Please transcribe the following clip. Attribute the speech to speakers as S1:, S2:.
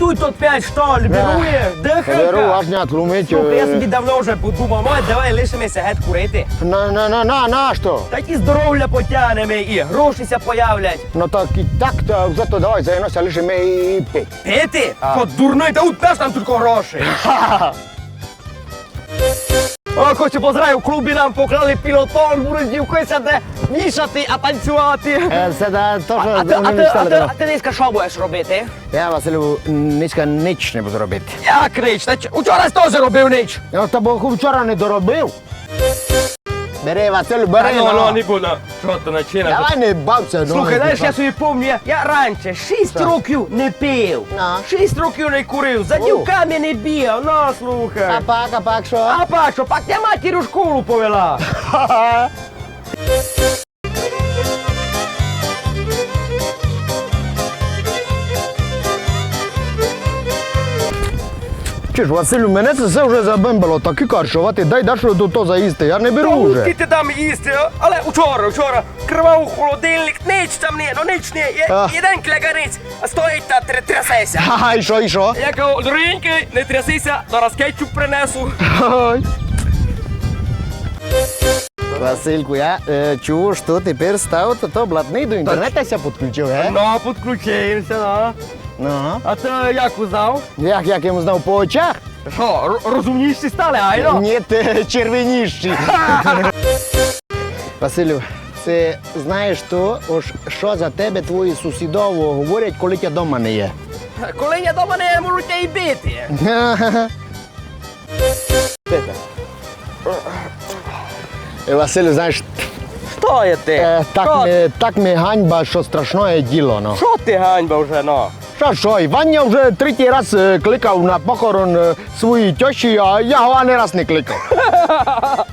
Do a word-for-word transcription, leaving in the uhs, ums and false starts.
S1: Дуй тут п'ять, що ли, берує,
S2: Беру,
S1: дихалка.
S2: аж не тлумить.
S1: Слухай, я собі давно вже подумав, мать, давай лишимося геть курити.
S2: На, на, на, на, на, що?
S1: Так і здоров'я потягнемо, і грошися появлять.
S2: Ну так і так, то зато давай займемося лише ми і пить.
S1: Пити? От дурний, та от теж там тільки гроші. О, хочу поздравив, в клубі нам поклали пілотон, будуть дівкися де вішати, а танцювати.
S2: Це да, то, що
S1: А ти, а
S2: вони
S1: ти, а
S2: стали
S1: ти,
S2: давно.
S1: а ти Ниська, що будеш робити?
S2: Я, Василю, нічка ніч не буду робити.
S1: Як ніч? Та ч- Учора теж робив ніч.
S2: Я тебе вчора не доробив. Бери, Василю, бери, ну.
S1: буду. Що ти починаєш?
S2: Давай не бався, ну.
S1: Слухай, знаєш, я собі пам'ятаю, я, я раніше шість років не пив,
S2: Ну.
S1: шість років не курив, за
S2: О.
S1: дівками не бігав, ну слухай.
S2: А пак, а пак, що?
S1: А пащо, пак я матір у школу повела.
S2: Чи ж, Василю, мене це все вже забимбало, такі каршувати, дай Дашу до то заїсти, я не беру
S1: Ну,
S2: вже.
S1: ти ти дам їсти, але вчора, вчора, кривав холодильник, ніч там не, ну ніч не, є,
S2: А.
S1: один кляганиць, стоїть та тр- трясеся.
S2: Ха-ха, і що, і що?
S1: Я кажу, дорогенький, не трясися, зараз кетчуп принесу.
S2: Ой. Васильку, я е, чув, що тепер став то, то блатний до інтернету ся підключив, ге?
S1: Ну, підключився, ну.
S2: Ну.
S1: А ти як узнав?
S2: Як, як йому знав по очах?
S1: Що, р- розумніші стали, айно?
S2: Ні, ти червоніші. Василю, це знаєш то, ось що за тебе твої сусідово говорять, коли тебе вдома не є?
S1: Коли я дома не можу тебе й бити.
S2: Е, Василю, знаєш,
S1: Що є ти?
S2: е, так,
S1: Що-
S2: ми, так ми ганьба, що страшне діло, ну.
S1: Що ти ганьба вже, ну?
S2: Що, що, Іван я вже третій раз е, кликав на похорон е, своїй тьоші, а я його ані раз не кликав.